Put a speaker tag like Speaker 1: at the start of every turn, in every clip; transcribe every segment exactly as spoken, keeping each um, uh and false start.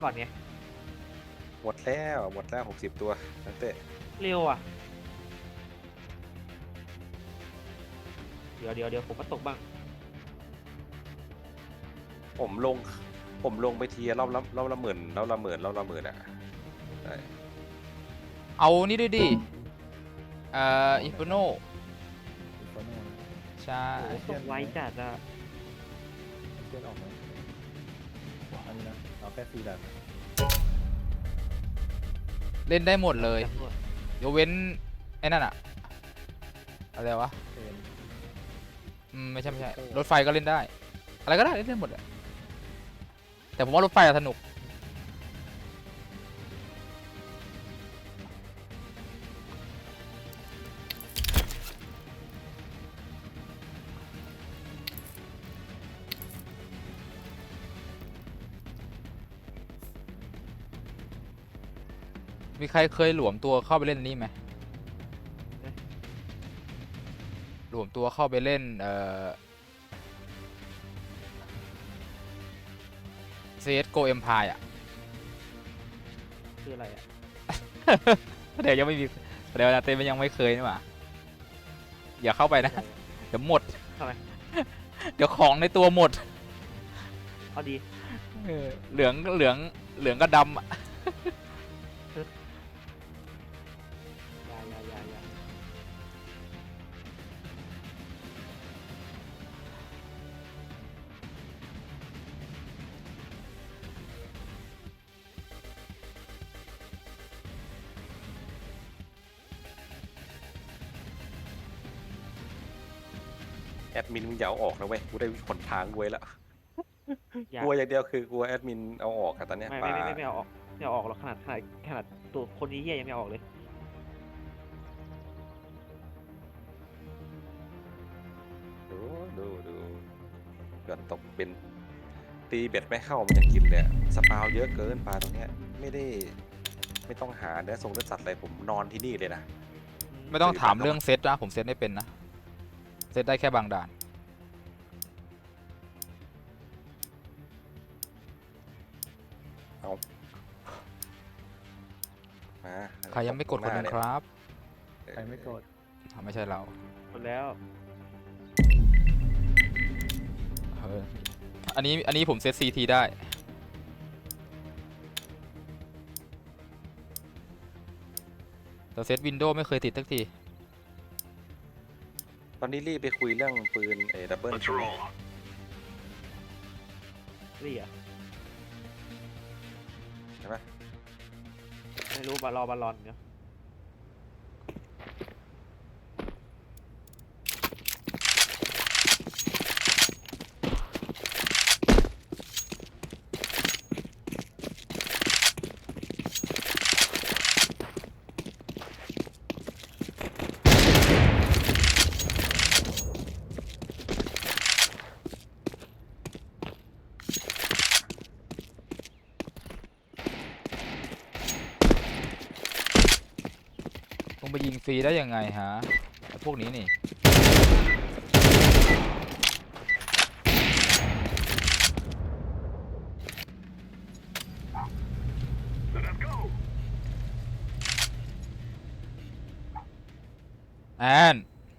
Speaker 1: ก่อนไง
Speaker 2: หมดแล้วหมดแล้วหกสิบตัวนักเตะ
Speaker 1: เร็วอ่ะเดี๋ยวเดี๋ยวเดี๋ยวผมก็ตกบ้าง
Speaker 2: ผมลงผมลงไปทีรอบละรอบละหมื่นรอบละหมื่นรอบละหมื่นอ่ะใช่
Speaker 3: เอานี่ด้วยดิเอ่ออินฟิโน
Speaker 4: อีกคนนึง
Speaker 3: ใช่
Speaker 1: โอ้โหตกไวจัดอ่ะ
Speaker 4: เพื่อนออกไหมอันนี้นะเอาแค่สี่ดัน
Speaker 3: เล่นได้หมดเลย
Speaker 1: ตำรวจ
Speaker 3: ยกเว้นไอ้นั่นอะอะไรวะ
Speaker 4: เป็น
Speaker 3: อืมไม่ใช่ไม่ใช่รถไฟก็เล่นได้ อะไรก็ได้เล่นได้หมดอะแต่ผมว่ารถไฟอะสนุกมีใครเคยหลวมตัวเข้าไปเล่นนี่ไหมหลวมตัวเข้าไปเล่นเอ่อ ซี เอส จี โอ Empire อ่ะ
Speaker 1: คืออะไรอ่ะ
Speaker 3: เดี๋ยวยังไม่มีเดี๋ยวนะเต้มันยังไม่เคยนี่หว่าอย่าเข้าไปนะเดี๋ยวหมด
Speaker 1: ทำไม
Speaker 3: เดี๋ยวของในตัวหมด
Speaker 1: เอาดี
Speaker 3: เออเหลืองเหลืองเหลืองก็ดำอะ
Speaker 1: ยายายายา
Speaker 2: แอดมินมึงอย่าเอาออกนะเว้ยกูได้ผลทางไว้แล้ว
Speaker 1: อยาก
Speaker 2: กลัวอย่างเดียวคือกลัวแอดมินเอาออกอะตอนเนี้ย
Speaker 1: ไม่
Speaker 2: ป
Speaker 1: ไม่
Speaker 2: ลา
Speaker 1: ไม่ไม่ไม่เอาออกไม่เอาออกหรอกขนาดขนาดขนาดตัวคนนี้เหี้ยยังไม่เอาออกเลย
Speaker 2: ดูดูดูหย่อนตกเป็นตีเบ็ดไม่เข้ามันยังกินเลยอะสปาวเยอะเกินปลาตรงเนี้ยไม่ได้ไม่ต้องหาเนื้อทรงเนื้อสัตว์อะไรผมนอนที่นี่เลยนะ
Speaker 3: ไม่ต้องถามเรื่องเซตนะผมเซตไม่เป็นนะเซตได้แค่บางด่าน
Speaker 2: เอามา
Speaker 3: ใครยังไม่กดกดหนึ่งครับ
Speaker 4: ใครไม่กด
Speaker 3: อ่ะไม่ใช่เรา
Speaker 1: หมดแล้ว
Speaker 3: เอออันนี้อันนี้ผมเซต ซี ที ได้แต่เซตวินโดว์ไม่เคยติดสักที
Speaker 2: ตอนนี้รีบไปคุยเรื่องปืนเอดับเบิล
Speaker 1: นี่อ่ะ
Speaker 2: ใช่ไหม
Speaker 1: ไม่รู้บอลรอบอลลอนเนาะ
Speaker 3: ลงไปยิงฟรีได้ยังไงฮะพวกนี้นี่แอน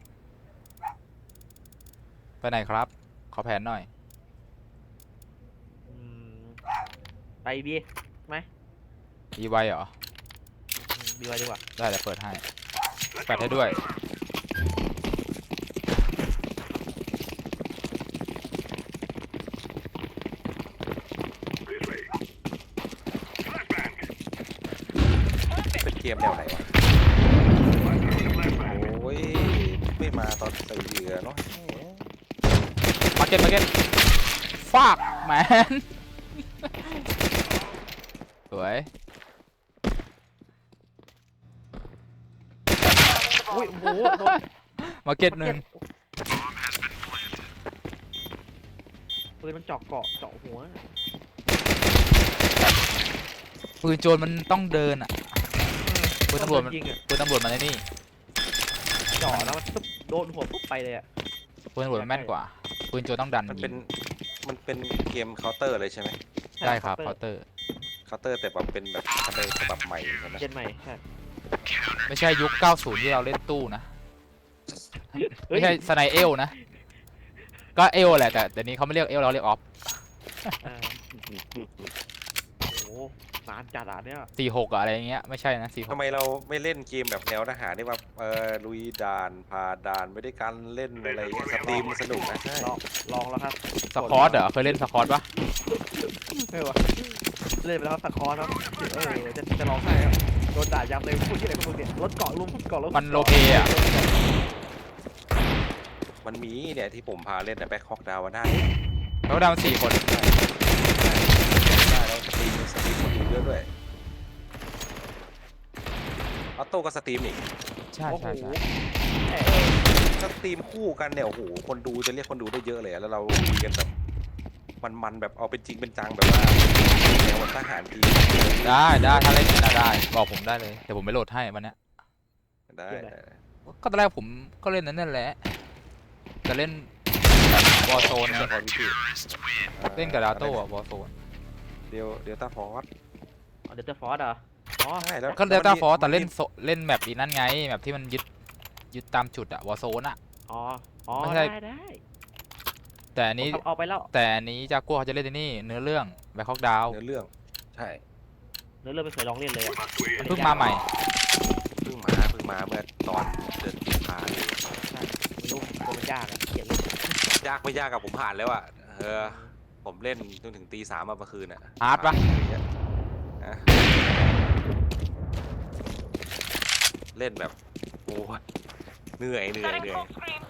Speaker 3: ไปไหนครับ ขอแผนหน่อย
Speaker 1: อืมไปบีไหม
Speaker 3: อีไวเหรอ
Speaker 1: บีไว้ดีกว่า
Speaker 3: ได้เดี๋ยวเปิดให้แปดให้ด้วย
Speaker 2: เป็นเกมแนวไหนวะโอ้ยไม่มาตอนใส่เหยื่อเนาะ
Speaker 3: มาเก็ตมาเก็ตฟากแมน สวย
Speaker 1: อุ้ยโอ้โหโดน
Speaker 3: มาเก็ตหนึ่ง
Speaker 1: ปืนมันเจาะเกาะเจาะหัว
Speaker 3: ปืนโจรมันต้องเดินอ่ะปืนตำรวจมัน
Speaker 1: ยิงอ่ะ
Speaker 3: ปืนตำรวจมันไอ้นี่
Speaker 1: เจาะแล้วมันตุ๊บโดนหัวปุ๊บไปเลยอ่ะ
Speaker 3: ปืนตำรวจมันแม่นกว่าปืนโจรต้องดัน
Speaker 2: มัน
Speaker 3: ยิ
Speaker 2: เป็น
Speaker 3: ง
Speaker 2: มันเป็นเกมเคาน์เตอร์เลยใช่ไหม
Speaker 3: ได้ครับเคาน์เตอร์
Speaker 2: เคาน์เตอร์แต่แบบเป็นแบบทำในฉบับใหม่ใช่ไหม
Speaker 1: เจนใหม่ใช่
Speaker 3: ไม่ใช่ยุคเก้าสิบที่เราเล่นตู้นะ
Speaker 1: เฮ้ย
Speaker 3: ไม่ใช่สไนเอลนะ ก็เอลแหละแต่เดี๋ยวนี้เขาไม่เรียกเอลเราเรียกออฟ
Speaker 1: เออโอ้โหนานจัดอ่ะเนี่ย
Speaker 3: สี่หกอะไรอย่างเงี้ยไม่ใช่นะสี่ห
Speaker 2: ทำ
Speaker 3: ก
Speaker 2: ไมเราไม่เล่นเกมแบบแนวทหารที่ว่าเออลุยด่านพาด่านไม่ได้การเล่นอะไรเงี้ยสตรีมมันสนุกนะใช่
Speaker 1: ลองลองแล้วครับ
Speaker 3: สคอตเหรอเคยเล่นสคอตปะ
Speaker 1: ไม่วะเล่นไปแล้วสคอร์ครับเออจะจะร้องไห้ครับโดนด่ายับเลยพูดที่ไหนก็พูดเนี่ยรถเกาะลุมเกาะรถ
Speaker 3: มันโลเปอะ
Speaker 2: มันมีเนี่ยที่ผมพาเล่นแต่แบ็คฮอกดาวน่า
Speaker 3: เขาดาวสี่คน
Speaker 2: ได้แล้วสตรีมสตรีมคนดูเยอะด้วยออโต้ก็สตรีมอีก
Speaker 3: ใช่
Speaker 1: โอ้โห
Speaker 3: ใช่ใช่
Speaker 1: แหม่
Speaker 2: สตรีมคู่กันเนี่ยโอ้โหคนดูจะเรียกคนดูได้เยอะเลยอะแล้วเราคุยกันแบบมันๆแบบเอาเป็นจริงเป็นจังแบบว่าแนวทหารที
Speaker 3: ได้ได้ถ้าเล่นนะได้บอกผมได้เลยเดี๋ยวผมไปโหลดให้วันเนี้ย
Speaker 2: ได้ได้
Speaker 3: ก็ตอนแรกผมก็เล่นนั้นนั่นแหละจะเล่นวอร์โซน
Speaker 2: เฉพาะวิธี
Speaker 3: เล่นกับดาโต้อะวอร์โซน
Speaker 2: เดียวเดียวตาฟอร์ส
Speaker 1: เอาเดลต้าฟอร์ดเหรออ๋อ
Speaker 2: ใช่แล้ว
Speaker 3: ก็เดลต้าฟอร์แต่
Speaker 2: มั
Speaker 3: เล่นโซเล่นแมปอีนั่นไงแมปที่มันยึดยึดตามจุดอะวอร์โซนอะ
Speaker 1: อ๋ออ๋อ
Speaker 3: ไม่ใช่
Speaker 1: ได้ได้
Speaker 3: แต่อันนี้
Speaker 1: ผมเอาไปแล้ว
Speaker 3: แต่อันนี้จากัวเขาจะเล่นที่นี่เนื้อเรื่องแบ็คฮอกดาว
Speaker 2: เนื้อเรื่องใช่
Speaker 1: เนื้อเรื่องไม่เคยลองเล่นเลยอะ
Speaker 3: เพิ่งมาใหม่
Speaker 2: เพิ่งมาเพิ่งมาเมื่อตอนเดือนกุมภาเลย
Speaker 1: ใช่ไม่รู้ตัวมันยากอะเกลียดเลย
Speaker 2: ยากไม่ยากกับผมผ่านแล้วอ่ะเออผมเล่นจนถึงตีสามมาเมื่อคืนอ่ะ
Speaker 3: ฮาร์ดปะ
Speaker 2: อะไรเงี้ยอ่ะเล่นแบบโอ้ยเหนื่อยเหนื่อยเหนื่อย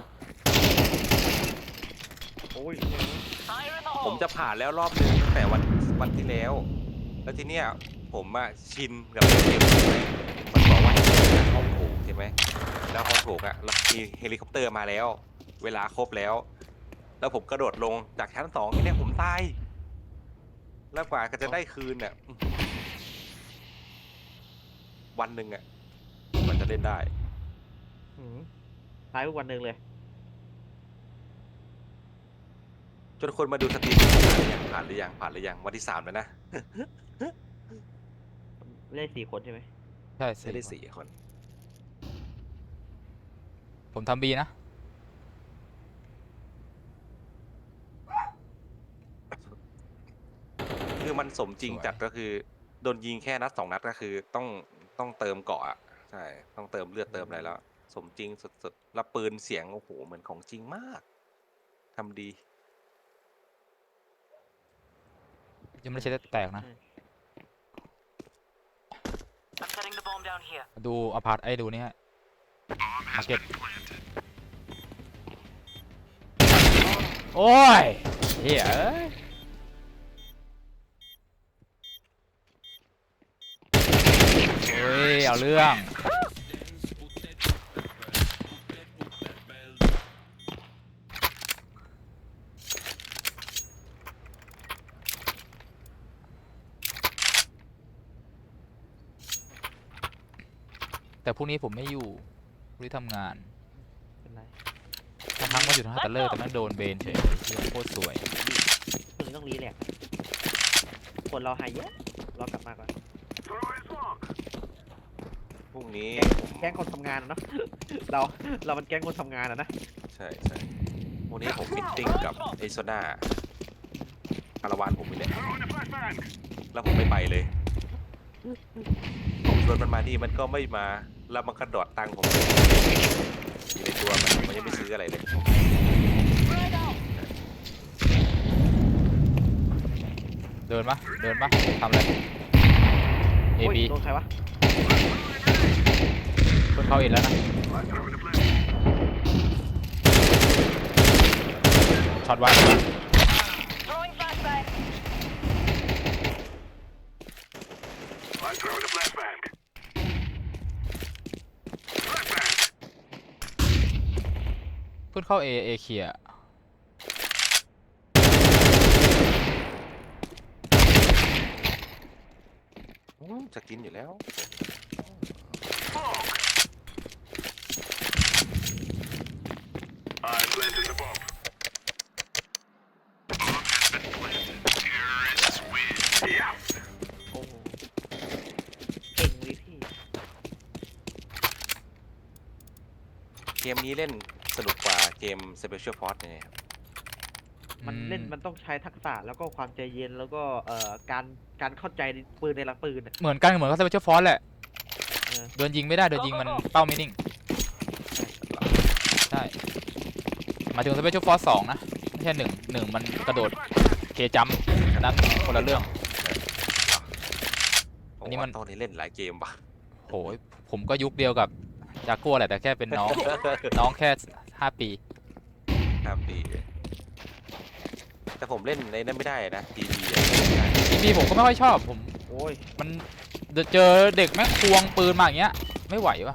Speaker 1: โอ้ย
Speaker 2: ผมจะผ่านแล้วรอบนึงตั้งแต่วันวันที่แล้ว แล้วทีเนี้ยผมอะชินกับเกมใช่ไหมมันบอกว่าให้เล่นห้องโถงใช่ไหมแล้วห้องโถงอะเรามีเฮลิคอปเตอร์มาแล้ว เวลาครบแล้ว แล้วผมกระโดดลงจากชั้นสองทีเนี้ยผมตายแล้วกว่าก็จะได้คืนเนี่ยวันหนึ่งอะมันจะเล่นได้
Speaker 1: หืมตายทุกวันหนึ่งเลย
Speaker 2: จนคนมาดูสตรีมผ่านหรือยังผ่านหรือยังผ่านหรือยังวันที่สามแล้วนะ
Speaker 1: เล่นสี่คนใช่ไหม
Speaker 3: ใช่
Speaker 2: จะได้
Speaker 3: สี่
Speaker 2: สี่คน
Speaker 3: ผมทำบีนะ
Speaker 2: คือมันสมจริงจัดก็คือโดนยิงแค่นัดสองนัดก็คือต้องต้องเติมเกาะอะใช่ต้องเติมเลือดเติมอะไรแล้ว สมจริงสุดๆแล้วปืนเสียงโอ้โหเหมือนของจริงมากทำดี
Speaker 3: ยังไม่ได้ใช้แตกนะ
Speaker 5: I'm setting the bomb down here.
Speaker 3: ดูอพาร์ตไอ้ดูนี่ฮะมาร์เก็ตโอ้ยเฮ้ยเอ้ยเฮ้ยเอาเรื่องแต่พรุ่งนี้ผมไม่อยู่พรุ่งนี้ทำงาน
Speaker 1: เป็นไร
Speaker 3: ทั้งทั้งมาอยู่ทั้งฮัตเตอร์เลอร์แต่แม่งโดนเบนเฉยเหี้ยโคตรสวย
Speaker 1: คนนี้ต้องรีแลกซ์คนเราหายเยอะเรากลับมาก่อน
Speaker 2: พรุ่งนี้ผม
Speaker 1: แก๊งคนทำงานอะเนาะ เราเรามันแก๊งคนทำงานอะนะ
Speaker 2: ใช่ใช่พรุ่งนี้ผมมิทติ้งกับไอโซนาคาราวานผมไปเลยแล้วผมไม่ไปเลย ผมชวนมันมานี่มันก็ไม่มาแล้วมันก็ดอดตังค์ผมอยู่ในตัวมันมันยังไม่ซื้ออะไรเลย
Speaker 3: เดินปะเดินปะทำอะไร A
Speaker 1: โอ้ย
Speaker 3: B
Speaker 1: โดนใครวะ
Speaker 3: เพิ่งเข้าอินแล้วนะช็อตไว้
Speaker 5: Throwing flashbang.
Speaker 3: เพิ่งเข้า A A เคลียร์
Speaker 2: อืมจะกินอยู่แล้ว
Speaker 1: โอ้โห
Speaker 2: เกมนี้เล่นสนุกกว่าเกม Special Force ยังไงครับ
Speaker 1: มันเล่นมันต้องใช้ทักษะแล้วก็ความใจเย็นแล้วก็เอ่อการการเข้าใจในปืนในหลักปืนอะ
Speaker 3: เหมือนกันเหมือนกับสเปเชียลฟอร์สแหละ
Speaker 1: เออ
Speaker 3: โดนยิงไม่ได้โดนยิงมันเป้าไม่นิ่งใช่หมายถึงสเปเชียลฟอร์สสองนะไม่ใช่หนึ่งหนึ่งมันกระโดดเคจัมป์นั้นคนละเรื่อง อันนี้มัน
Speaker 2: ตอนนี้เล่นหลายเกมว่ะ
Speaker 3: โหยผมก็ยุคเดียวกับจากัวแหละแต่แค่เป็นน้อง น้องแค่ห้าปี
Speaker 2: ครับดีแต่ผมเล่นในนั้นไม่ได้นะทีวี
Speaker 3: ทีพีผมก็ไม่ค่อยชอบผม
Speaker 1: โอ้ย
Speaker 3: มันเจอเด็กแม่งควงปืนมาอย่างเงี้ยไม่ไหววะ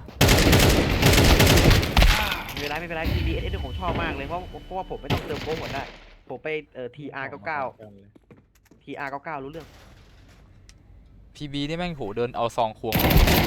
Speaker 1: ไม่เป็นไรไม่เป็นไร ที บี เอส เอส ผมชอบมากเลยเพราะเพราะว่าผมไม่ต้องเติมโค้งหมดได้ผมไปเอ่อ ที อาร์ เก้าเก้า ที อาร์ เก้าเก้า รู้เรื่อง
Speaker 3: พีบีนี่แม่งโหเดินเอาซองควง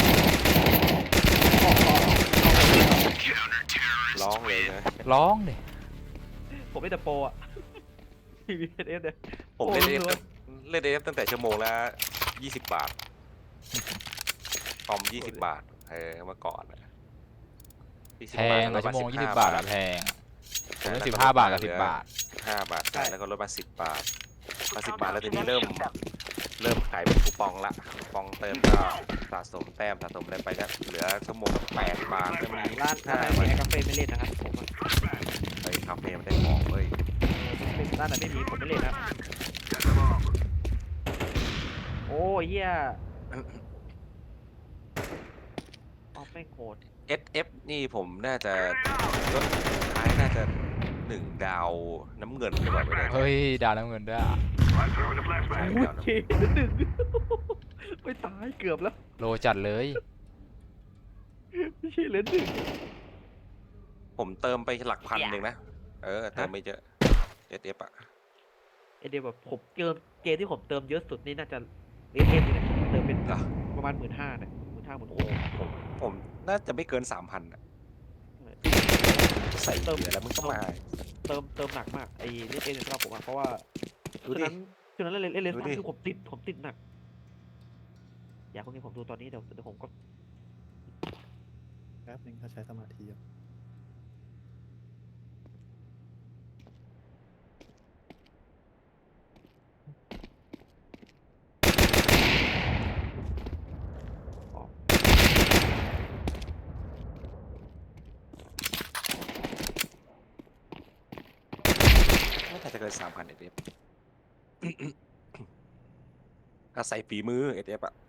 Speaker 2: ร้องเลยนะ
Speaker 3: ร้องเลย
Speaker 1: ผมไม่แต่โปรอะ ที บี เอส เอส เนี่ย
Speaker 2: ผมเล่นเอฟ
Speaker 1: โอ้โห
Speaker 2: เล่นเอฟตั้งแต่ชั่วโมงละยี่สิบบาทคอมยี่สิบบาทเออเมื่อก่อนอะ20
Speaker 3: แพง
Speaker 2: บาท
Speaker 3: อะชั่วโมง
Speaker 2: ลด
Speaker 3: ยี่สิ
Speaker 2: สิ
Speaker 3: บบาทอะแพงผมเป็นสิบห้าบาทกับสิบบาท
Speaker 2: ห้าบาทใช่แล้วก็ลดมาสิบบาทมาสิบบาทแล้วทีนี้เริ่มเริ่มขายเป็นคูปองละคูปองเติมก็สะสมแต้มสะสมอะไรไปก็เหลือชั่วโมงละแปดบาทก็มี
Speaker 1: ร้านร้า
Speaker 2: ห้าน
Speaker 1: ไหน
Speaker 2: บาท
Speaker 1: มีกาแฟไม่เล่นนะครับผมอะ
Speaker 2: ไอ้คาเฟ่มันได้ของเว้ย
Speaker 1: เป็นร้านไหนไม่มีผมไม่เล่นนะครับโอ้ยเหี้ยเอาไม่งโหด
Speaker 2: เอส เอฟ นี่ผมน่าจะลดท้ายน่าจะหนึ่งดาวน้ำเงินหรือเปล่าไม่แน่ใจ
Speaker 3: เฮ้ยดาวน้ำเงินด้วยอะ
Speaker 2: ใช่
Speaker 1: อุ้ย
Speaker 2: ดาวน้ำ
Speaker 1: เค
Speaker 2: เงิน
Speaker 1: หนึ่งไม่ตายเกือบแล้ว
Speaker 3: โลจัดเลย
Speaker 1: ไม่ใช่เหลือหนึ่ง
Speaker 2: ผมเติมไปหลักพันหนึ่งนะ เออเติมไม่เยอะ เอส เอฟ อ่ะ
Speaker 1: ไอเดียแบบผมเติมเกมที่ผมเติมเยอะสุดนี่น่าจะเอฟเอฟเนี่ยเติมเป็น
Speaker 2: เหรอ
Speaker 1: ประมาณหมื่นห้าเนี่ยหมื่นห้าหมื่น
Speaker 2: โอ้
Speaker 1: หก
Speaker 2: ผมผมน่าจะไม่เกินสามพันอ่ะ ใส่เหลือแล้วมึงก็มา
Speaker 1: เติมเติมหนักมากไอเล่นเองสำหรับผมอะเพราะว่า
Speaker 2: ดู
Speaker 1: คืน
Speaker 2: ดิ
Speaker 1: นั้นคืนนั้นเล่นเล่นเล่น
Speaker 2: ดู
Speaker 1: ซ้ำ
Speaker 2: ดิ
Speaker 1: คือผมติดผมติดหนัก อยากคนนี้ผมดูตอนนี้เดี๋ยวเดี๋ยวผมก็
Speaker 4: แป๊บนึงถ้าใช้สมาธิอะ
Speaker 2: ไม่น่าจะเกินสามพันเอส เอฟ อาศัยฝีมือ เอส เอฟ อ่ะ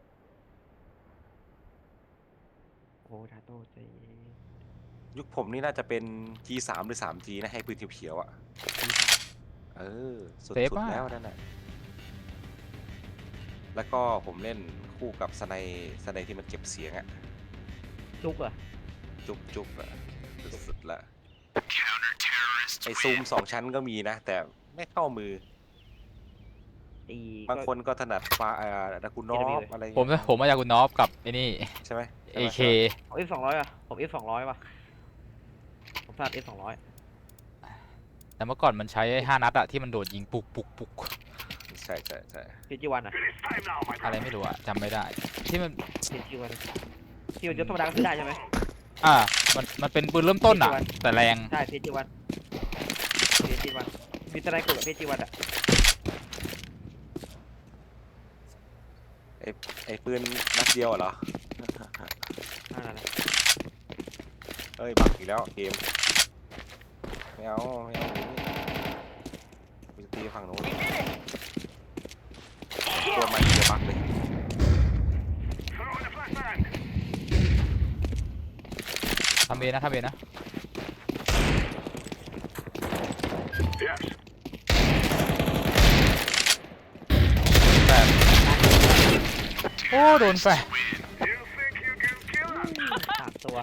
Speaker 1: โอ้ทาโต้ใจเย็น
Speaker 2: ยุคผมนี่น่าจะเป็น จี สาม หรือ สาม จี นะ ให้ปืนเขียวๆอ่ะ เออ สุด
Speaker 3: เซฟ
Speaker 2: สุด
Speaker 3: มาก
Speaker 2: แล้วนั่นน่ะ แล้วก็ผมเล่นคู่กับสไนสไนที่มันเก็บเสียงอ่ะ
Speaker 1: จุกเหรอะ
Speaker 2: จุกจุกอะสุดๆละไอซูมสองชั้นก็มีนะ แต่ไม่เข้ามือ
Speaker 1: ไอ้
Speaker 2: บางคนก็ถนัดฟ้าอ่าดากุนอฟอะไร
Speaker 3: ผมผมมาจากคุณนอฟกับไอ้นี่
Speaker 2: ใช่ไหม
Speaker 3: เอเค
Speaker 1: ผมเอฟสองร้อยอะผมเอฟสองร้อยว่ะผมพลาดเอฟสองร้อย
Speaker 3: แต่เมื่อก่อนมันใช้ไอ้ห้านัดอะที่มันโดดยิงปุกปุกปุก
Speaker 2: ใช่ใช่ใช่
Speaker 1: พีจีวันอะ
Speaker 3: อะไรไม่รู้อะจำไม่ได้ ที่มัน
Speaker 1: พีจีวันที่มันยศธรรมดาก็ซื้อได้ใช่ไหม
Speaker 3: อ่ามันมันเป็นปืนเริ่มต้นอะแต่แรง
Speaker 1: ใช่พีจีวันพีจีวันมีสไนเปอร์กับพีจีวันอะ
Speaker 2: ไอไอปืนนัดเดียวเหรอ
Speaker 1: นั่นแหละ
Speaker 2: เอ้ยบักอีกแล้วเกมไม่เอาไม่เอามีตีฝั่งโน้นตัวมันจะบักเลย
Speaker 3: ทำเองนะทำเองนะแฟนโอ้โดนแฟน
Speaker 1: สามตัว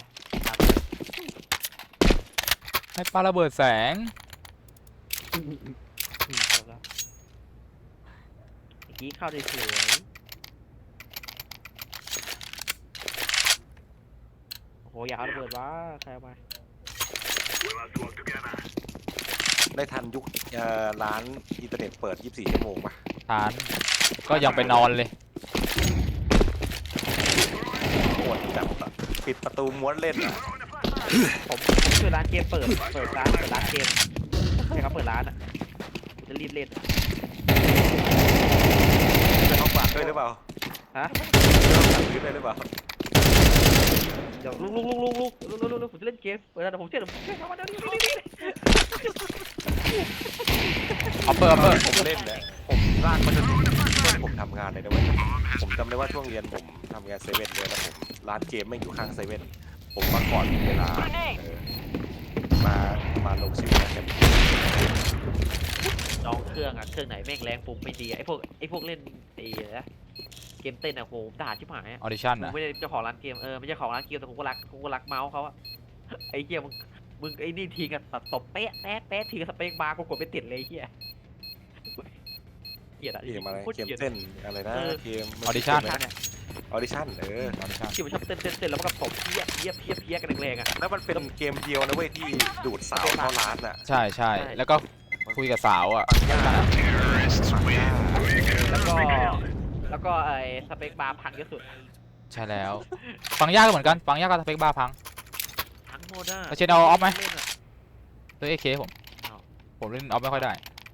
Speaker 3: ให้ปาระเบิดแสง
Speaker 1: อืมจบแล้วเมื่อกี้เข้าได้สวยโอ้โหอยากเอาระเบิดวะใครเอามา
Speaker 2: ได้ทันยุคเอ่อร้านอินเทอร์เน็ตเปิดยี่สิบสี่ชั่วโมงปะ
Speaker 3: ทานก็ยังไปนอนเลย
Speaker 2: โคตรจับอะปิดประตูม้วนเล่นอะ
Speaker 1: ผมผมช่วยร้านเกมเปิดเปิดร้านเปิดร้านเกมใช่ครับเปิดร้านอ่ะจะรีบเล่น
Speaker 2: จะเอาฝากด้วยหรือเปล่า
Speaker 1: ฮะ
Speaker 2: จะเอาฝากด้วยหรือเปล่า
Speaker 1: เดี๋ยวลุกลุกลุกลุกลุกลุกลุกลุกผมจะเล่นเกมเปิดร้านผมเชื่อผมเชื่อเขามาเดี๋ยวนี้
Speaker 3: ออปเปอร์ออปเปอร์
Speaker 2: ผมเล่นเนี่ยผมลากมาจนถึงช่วงผมทำงานเลยนะเว้ยผมจำได้ว่าช่วงเรียนผมทำงานเซเว่นเลยแล้วผมร้านเกมไม่งอยู่ข้างเซเว่นผมมาก่อนเวลาเออมามาลงชีวิตกัน
Speaker 1: น้องเครื่องอ่ะเครื่องไหนแม่งแรงปุ่มไม่ดีไอ้พวกไอ้พวกเล่นไอ้นะเกมเต้นอ่ะโหด่าชิบหาย
Speaker 3: ออดิชั่น
Speaker 1: ผม
Speaker 3: นะ
Speaker 1: ไม่ได้เจ้าของร้านเกมเออไม่ใช่ของร้านเกมแต่ผมก็รักผมก็รักเมาส์เขาอะไอ้เหี้ยมึงมึงไอ้นี่ทีกันตบเป๊ะแป๊ะแป๊ะทีกับสเปคบาร์กูกดไม่ติดเลยไอ้เหี้ยเหี้ยอะ
Speaker 2: เกมอะไร
Speaker 1: โคต
Speaker 2: เกม
Speaker 1: กลียด
Speaker 2: เต้นอะไรนะเกม
Speaker 3: ออดิชั่น
Speaker 1: ท่าเนี่ย
Speaker 2: ออดิชั่นเออ
Speaker 3: ออดิชั่น
Speaker 1: ที่มันชอบเต้นเต้นเต้นแล้วมันก็ตบเพี้ยเพี้ยเพี้ยเพี้ยกันแรงๆอะ
Speaker 2: แล้วมันเป็นเกมเดียวนะเว้ยที่ดูดสาวเข้าร้านอ่ะ
Speaker 3: ใช่ใช่แล้วก็คุยกับสาวอ่ะ
Speaker 1: แล้วก็แล้วก็ไอ้สเปคบาร์พังเยอะสุด
Speaker 3: ใช่แล้วฟังยากก็เหมือนกันฟังยากก็สเปคบ้าพัง
Speaker 1: ทั้งหมดอะ
Speaker 3: แล้วเชนเอาออฟไหม
Speaker 1: เล่นอะ
Speaker 3: ด้วยเอเคผม
Speaker 1: เอา
Speaker 3: ผมเล่นออฟไม่ค่อยได้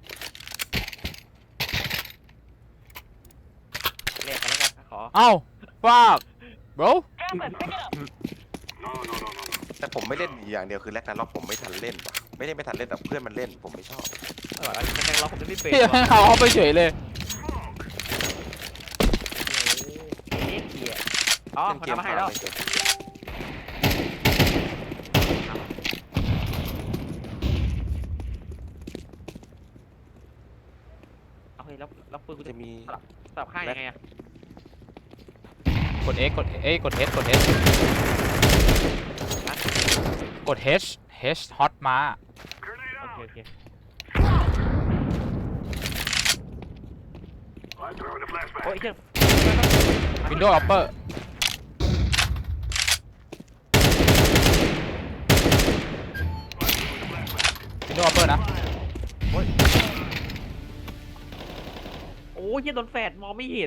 Speaker 1: แลกกันแล้วกันขอ
Speaker 3: เอ้าฟาก bro
Speaker 5: Grab it, pick it up.
Speaker 2: แต่ผมไม่เล่นอย่างเดียวคือแรกนั้นล็อกผมไม่ทันเล่นว่ะไม่ได้ไม่ทันเล่นแต่เพื่อนมันเล่นผมไม่ชอบ
Speaker 1: ไม่ไหวแล้วมันแม่งล็อกผมจะไม่เป็น
Speaker 3: พี่
Speaker 1: ว่ะ
Speaker 3: เอาออฟไปเฉยเลย
Speaker 1: เอ๊ะเหี้ยอ๋อ
Speaker 2: เล่น
Speaker 1: มัน
Speaker 2: เกม
Speaker 1: ทำมาให้แล้ว
Speaker 2: ไม่เป็น
Speaker 1: เอาเฮ้ยแล้วแล้วปืนกู
Speaker 2: จะ
Speaker 1: จะ
Speaker 2: มี
Speaker 1: สลับข้างยังไงอะ
Speaker 3: กด X กดเอ้ยกด H กด H กด H H hot มา
Speaker 1: โอเคโอเค โอ้ยเชี่ย
Speaker 3: Windows Upper Windows Upper นะ
Speaker 1: โอ้ยเชี่ยโดนแฟดมองไม่เห็น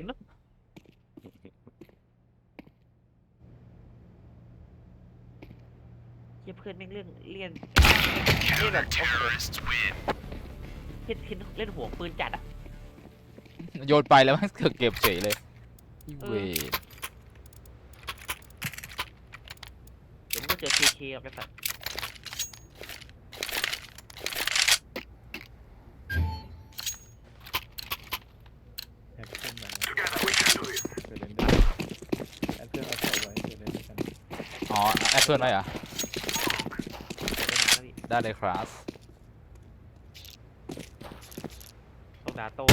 Speaker 1: เชี่ยเพื่อนแม่งเรื่องเลี่ยนเล่นแบบโอ้โหเล่นเล่นหัวปืนจัดอะ
Speaker 3: โยนไปแล้วมันเกือบเก็บเฉยเลยอีเวร
Speaker 1: เดี๋ยวมึงก็เจอ เค เค กับไอ้สัตว์
Speaker 4: แอคชั่นมาเดี๋ยวเล่นได้แอคเพื่อนเอาใส่ไว้เดี๋ยวเล่นด้วยกัน
Speaker 3: อ๋อแอดเพื่อนไว้เหรอ
Speaker 1: เดี๋ยวไปนานแล้วพี่
Speaker 3: ได้เลยครับ
Speaker 1: ต้องด่าโต้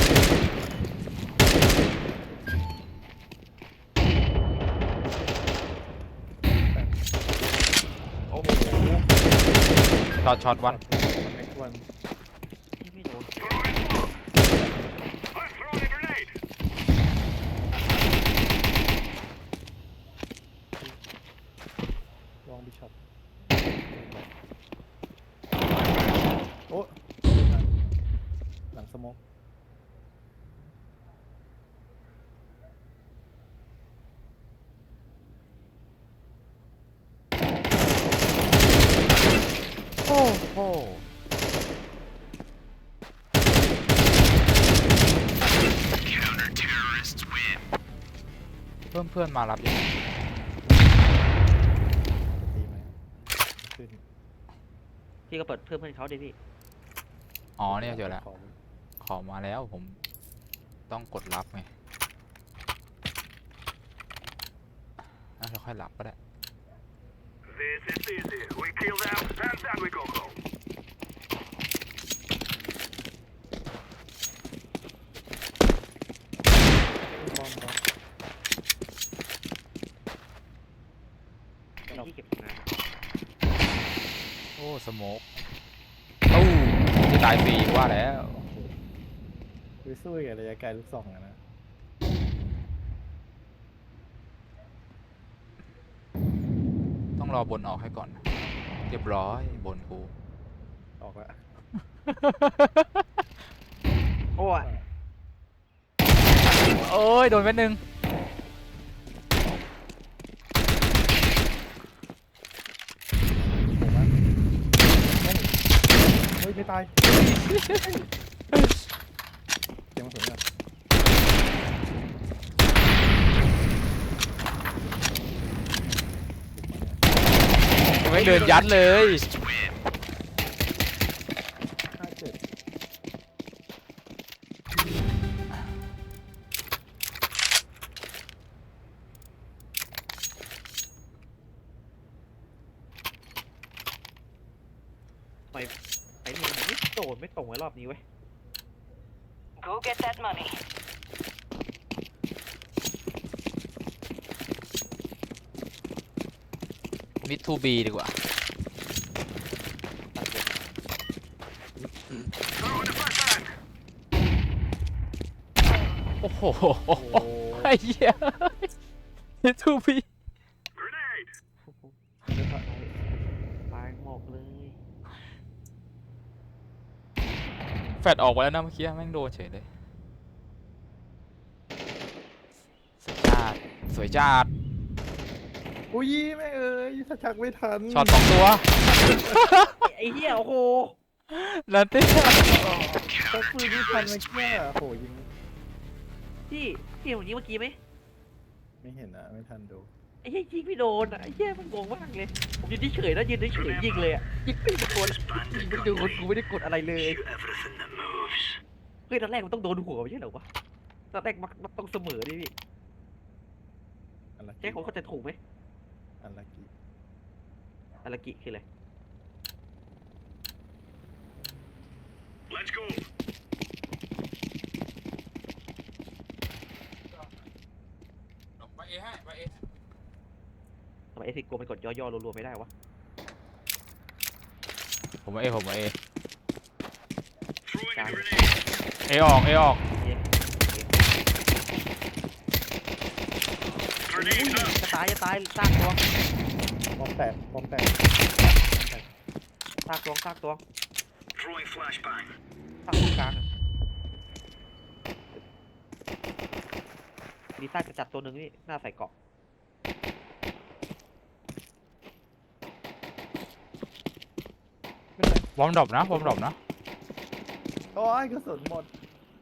Speaker 1: โอ้โห
Speaker 3: ช็อตช็อตวัน
Speaker 4: แอควัน
Speaker 1: ที่ไม่โดน
Speaker 4: ลองบิชอปโอ้หลังสโมก
Speaker 3: โอ้โหเพิ่มเพื่อนมารับยัง
Speaker 4: ตีไหมขึ้น
Speaker 1: พี่ก็เปิดเพิ่มเพื่อนเขาดิพี่
Speaker 3: อ๋อเนี่ยเจอแล้ว
Speaker 4: ขอ
Speaker 3: ขอมาแล้วผมต้องกดรับไงอ่ะเราค่อยรับก็ได้
Speaker 6: This is easy. We kill them, and then we go home.
Speaker 4: บอมบอม
Speaker 1: ที่ที่เก็บงาน
Speaker 3: โอ้สโมกตู้จะตายฟรีว่าแล้ว
Speaker 4: ไปสู้กับระยะไกลลูกสองอะนะ
Speaker 3: ต้องรอบนออกให้ก่อน เรียบร้อยบนกู
Speaker 4: ออกละ
Speaker 1: โอ้ย
Speaker 3: โอ้ยโดนเม็ดหนึ่ง
Speaker 4: ไม่ตายเดี๋ยวมาถึงอ่ะ
Speaker 3: ไม่เดินยัดเลย
Speaker 4: ห้าเจ็ด
Speaker 1: ไอ้นี่มันไม่โดนไม่ตรงไว้รอบนี้เว้ย
Speaker 5: Go get that money.
Speaker 3: มิดทูบีดีกว่า
Speaker 6: Throwing the flashbang.
Speaker 3: โอ้โห
Speaker 4: โอ้โห
Speaker 3: ไอ้เหี้ยมิดทูบี
Speaker 6: Grenade.
Speaker 1: ตายหมกเลย
Speaker 3: แฟดออกไปแล้วนะเมื่อกี้แม่งโดนเฉยเลยสวยจัดสวยจัด
Speaker 4: อุ้ยแม่เอ้ยถ้าชักไม่ทัน
Speaker 3: ช็อตสองตัว
Speaker 1: ไอ้เหี้ยโอ้โห
Speaker 3: ลันเต้
Speaker 4: ชักปืนไม่ทันเมื่อกี้โอ้โหยิง
Speaker 1: พี่พี่ผมยิงเมื่อกี้ไหม
Speaker 4: ไม่เห็นนะไม่ทันดู
Speaker 1: ไอ้เหี้ยยิงไม่โดนอ่ะไอ้เหี้ยมันงงมากเลยผมยืนเฉยๆนะยืนเฉยๆยิงเลยอ่ะยิงไม่โดนยิงไม่โดนกูไม่ได้กดอะไรเลย
Speaker 6: Everything that moves.
Speaker 1: เฮ้ยตอนแรกมันต้องโดนหัวไม่ใช่เหรอวะตอนแรกมันมันต้องเสมอดิพี่
Speaker 4: อันละ
Speaker 1: ใช่ผมเข้าใจถูกไหม
Speaker 4: อันละกี่
Speaker 1: อารากิคืออะไร
Speaker 6: Let's go.
Speaker 3: ไปเอให้ไปเอ
Speaker 1: ทำไมเอซิโกมันกดย่อๆรัวๆไม่ได้วะ
Speaker 3: ผมมาเอผมมาเอ
Speaker 6: Throwing a
Speaker 1: Got it.
Speaker 6: grenade.
Speaker 3: เอออกเอออก
Speaker 1: เย้
Speaker 6: Grenade
Speaker 1: จะ
Speaker 6: up.
Speaker 1: ตายจะตายซากตัว
Speaker 4: บอมแตกบอมแตก
Speaker 1: ซากตัวซากตัว
Speaker 6: Throwing flashbang.
Speaker 1: ซากตรงกลางอะมีซากกระจัดตัวหนึ่งนี่หน้าใส่เกาะ
Speaker 4: ไม่เป็นไร
Speaker 3: วอร์มดรอปนะวอร์มดรอปนะ
Speaker 4: โอ้ยกระสุนหมด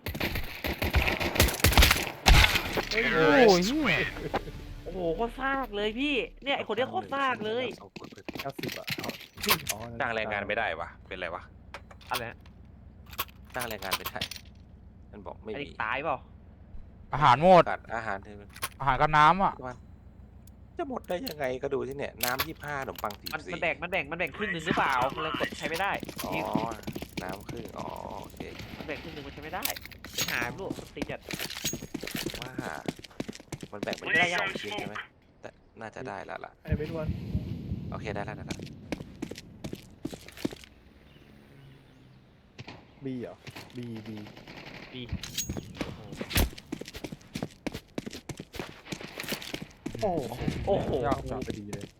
Speaker 3: โอ้ยเหี้ย
Speaker 1: โอ้โหโคตรซากเลยพี่เนี่ยไอคนเนี้ยโคตรซากเลย
Speaker 4: เก้าสิบอ่ะเอาอ๋อ
Speaker 2: จ้างแรงงานไม่ได้วะเป็นไรวะ
Speaker 1: อะไรนะ
Speaker 2: จ้างแรงงานไม่ได้มันบอกไม่
Speaker 1: ไอ้
Speaker 2: มี
Speaker 1: นี่ตายเปล่า
Speaker 3: อาหารหมด
Speaker 2: ขาดอาหารเธอ
Speaker 3: อาหารกับน้ำอ่ะ
Speaker 2: จะหมดได้ยังไงก็ดูที่เนี่ยน้ำยี่ห้าขนมปังสี่
Speaker 1: มัน
Speaker 2: สี่
Speaker 1: มันแบ่งมันแบ่งมันแบ่งครึ่งหนึ่งหรือเปล่ามันเลยกดใช้ไม่ได้
Speaker 2: อ๋อ
Speaker 1: นี่
Speaker 2: น้ำครึ่งอ๋อโอเค
Speaker 1: มันแบ่งครึ่งหนึ่งมันใช้ไม่ได้ไปหาลูกมันตีจัด
Speaker 2: ว่ามันแบ่งเป็นได้สองชิ้นใช่ไหมแต่น่าจะได้แล้วล่ะ
Speaker 4: ไอ้เวทวัน
Speaker 2: โอเคได้แล้วได้แล้ว
Speaker 4: บีเหรอบีบี
Speaker 1: ดีโอ้โห
Speaker 4: โอ้โห
Speaker 1: โอ้โห
Speaker 3: ยากจัง
Speaker 4: พอดีเลย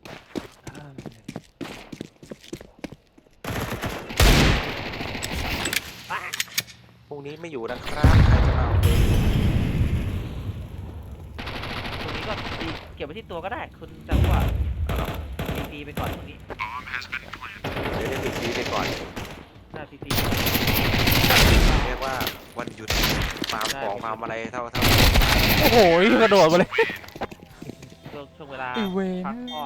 Speaker 2: พรุ่งนี้ไม่อยู่นะครับใครจะเอาไป
Speaker 1: ตรงนี้ก็ดีเก็บไว้ที่ตัวก็ได้ คุณจะว่าดีดีไปก่อนตรงนี้
Speaker 2: เดี๋ยวเล่นซีไปก่อน
Speaker 1: หน้าซีซี
Speaker 2: เรียกว่าวันหยุดฟาร์มของฟาร์มอะไรเท่าเท่า
Speaker 3: โอ้โหกระโดดมาเลย
Speaker 1: ช่วงช่วงเวลา
Speaker 3: ไอ้เวร
Speaker 1: พักผ่อน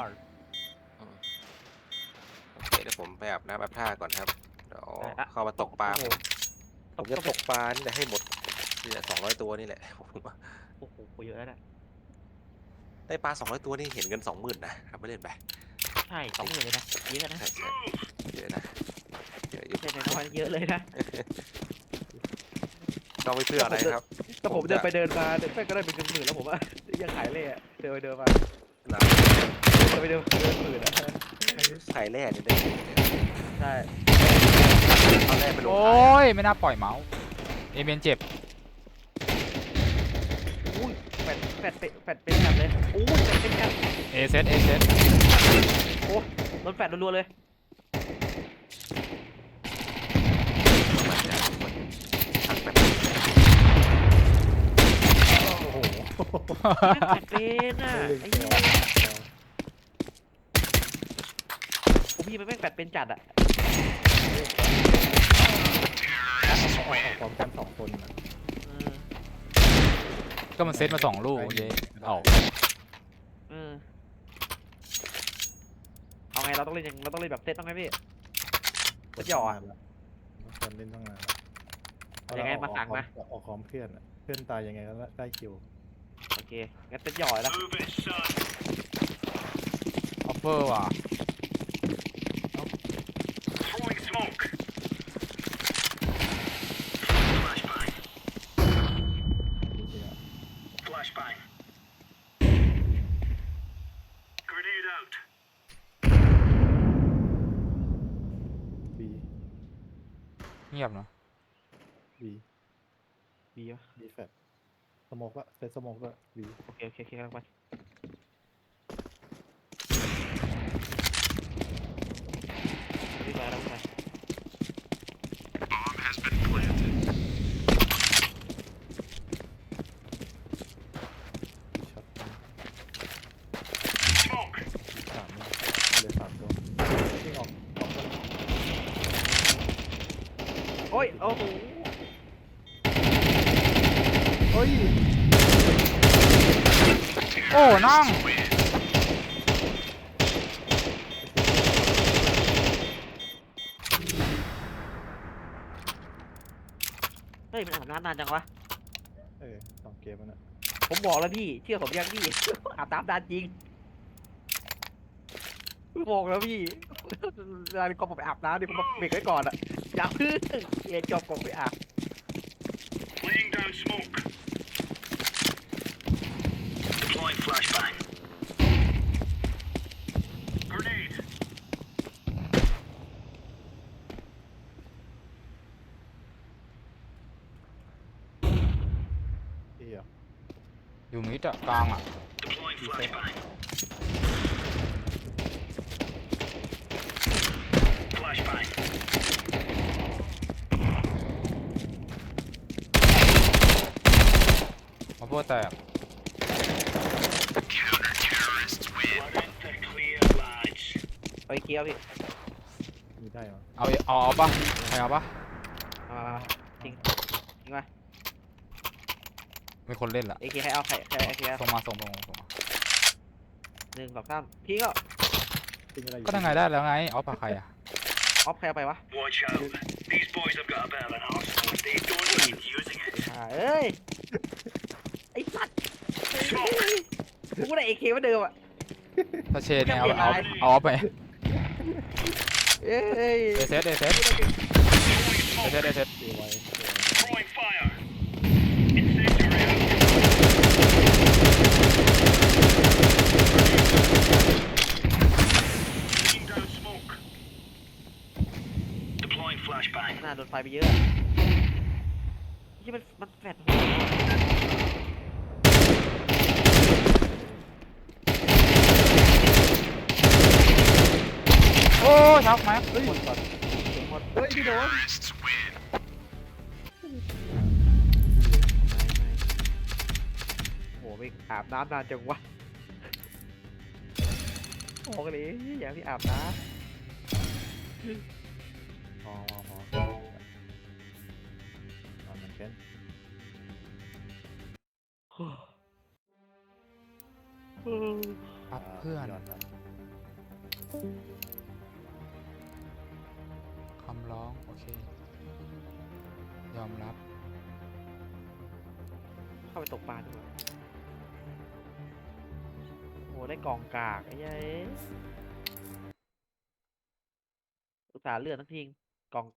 Speaker 2: โอเคเดี๋ยวผมไปอาบน้ำอาบท่าก่อนครับเดี๋ยวเข้ามาตกปลา
Speaker 1: โอ้โห
Speaker 2: ผมจะตกปลานี่แหละให้หมดนี่แหละสองร้อยตัวนี่แหละผมว่า
Speaker 1: โอ้โหเยอะแล้วนะ
Speaker 2: ได้ปลาสองร้อยตัวนี่เห็นเงินสองหมื่นนะทำไม่เล่นไป
Speaker 1: ใช่สองหมื่นเลยนะเยอะนะ
Speaker 2: ใช่ใช่เยอะนะเยอะอยู่
Speaker 1: ใช่น้อยๆเยอะเลยนะ
Speaker 2: เราไม่เพื่ออะไรครับ
Speaker 1: แต่ผมเดินไปเดินมาเดินไปก็ได้เป็นเงินหมื่นแล้วผมว่ายังขายเล่อะเดินไปเดินมา
Speaker 2: เรา
Speaker 1: เดินไปเดินเดินหมื่นอะ
Speaker 2: ขายแร่เนี่ยได้เงินเนี่ย
Speaker 1: ใช่
Speaker 2: เอาแร่ไปลง
Speaker 3: โอ้
Speaker 2: ขาย
Speaker 3: ยไม่น่าปล่อยเมาส์เอเมนเจ็บ
Speaker 1: อุ้ยแฟดแฟดเป็นแฟดเป็นแบบเลยอุ้ยแฟดเป็นแบบ
Speaker 3: เอเซตเอเซต
Speaker 1: โอ้โดนแฟดรัวๆเลย
Speaker 4: โอ้โห
Speaker 1: แฟดเป็นอ่ะไอ้เหี้ยผมพี่มันแม่งแฟดเป็นจัดอ่ะ
Speaker 4: ออกออกพร้อมกันสองคนนะ
Speaker 1: เออ
Speaker 3: ก็มันเซตมาสองลูกเย้ออก
Speaker 1: เออเอาไงเราต้องเล่นยังเราต้องเล่นแบบเซตต้องไหมพี่เซตหย่ออะ
Speaker 4: ทุกคนเล่นตั้งนานแล้ว
Speaker 1: ยังไง
Speaker 4: เอ
Speaker 1: มาสั่ง
Speaker 4: ออก
Speaker 1: มา
Speaker 4: ออกพร้อมเพื่อนอะเพื่อนตายยังไงก็ได้คิว
Speaker 1: โอเคงั้นเซตหย่อเลยนะ
Speaker 6: Move it, son.
Speaker 3: ออฟเฟอร์ว่ะ
Speaker 6: Throwing smoke. Flashbang.
Speaker 4: จริงๆอะ
Speaker 6: Flashbang. Grenade out.
Speaker 4: บี
Speaker 3: เงียบเนาะ
Speaker 4: บี
Speaker 1: ดีปะ
Speaker 4: บีแฟตสโมกอะเซตสโมกด้วยบี
Speaker 1: โอเคโอเคโอเคกำลังไปรีบไปแล้วรีบไป
Speaker 6: Bomb has been planted.
Speaker 4: บีช็อต
Speaker 6: Smoke.
Speaker 4: บีสามเนี่ยเลยสามตัววิ่งออกออกกัน
Speaker 1: โอ้ยโอ้โห
Speaker 4: เฮ้ย
Speaker 3: โอ้น้อง
Speaker 1: เฮ้ยมันอาบน้ำนานจังวะ
Speaker 4: เออสองเกมมันอะ
Speaker 1: ผมบอกแล้วพี่เชื่อผมยังพี่ อาบน้ำนานจริงบอกแล้วพี่ เวลาก่อนผมไปอาบน้ำดิผมมาเบรกไว้ก่อนอะอย่าเพิ่งเอ็นจบก่อนไปอาบ
Speaker 6: Laying down smoke. Deploying flashbang. Grenade.
Speaker 4: เอีย
Speaker 3: อยู่มิดอะกลางอะ
Speaker 6: Deploying flashbang. Flashbang.
Speaker 3: ออฟเฟอร์แตก
Speaker 6: Counter-terrorists win. Let it the clear, lads.
Speaker 1: ไปเกียวพี่
Speaker 4: มีได้เหรอ
Speaker 3: เอาเอาเอาปะใครเอาปะ
Speaker 1: มามามาจริงจริงป่ะ
Speaker 3: มีคนเล่นละ
Speaker 1: เอเคให้เอาใครใครเอเคเอา
Speaker 3: ส่งมาส่งมาส่งมา
Speaker 1: หนึ่งสองสามพี่ก็
Speaker 4: จริงอะไรอยู่
Speaker 3: ก็ได้ไงได้แล้วไงออฟปะใครอะ
Speaker 1: ออฟใครเอาไปวะ
Speaker 6: Watch out. These boys have got a bit of an arsenal. They don't mind using it.
Speaker 1: อ่าเอ้ยไอ้สัตว์กูก็ได้เอเคเหมือนเดิมอ่ะ
Speaker 3: ถ้าเชนเนี่ยเอาเอาเอาออฟไป
Speaker 1: เอ้ย
Speaker 3: เอเซสเอเซส
Speaker 6: Throwing
Speaker 3: เอ
Speaker 6: smoke.
Speaker 3: เซสเอเซส
Speaker 4: เอไว้เอไว้
Speaker 6: Throwing fire. Incendiary out. Laying down smoke. Deploying flashbang.
Speaker 1: น่าโดนไฟไปเยอะที่มันมันแฟดหัว
Speaker 3: โอ้ช็อกไหม
Speaker 1: เฮ้ยหมดก่อนหมด
Speaker 4: เฮ้ยพี่โดน
Speaker 6: Terrorists win.
Speaker 1: โอ้โหไม่อาบน้ำนานจังวะโอ้เลยอย่าพี่อาบน้
Speaker 4: พอพอพอเอามันเป็น
Speaker 1: ำ
Speaker 3: ครับเพื่อน
Speaker 4: ย้อนครับ
Speaker 3: คำร้องโอเค ยอมรับ
Speaker 1: เข้าไปตกปลาดีกว่าโอ้ได้กองกากไอ้ยัยอุตส่าห์เลือดทั้งทีกอง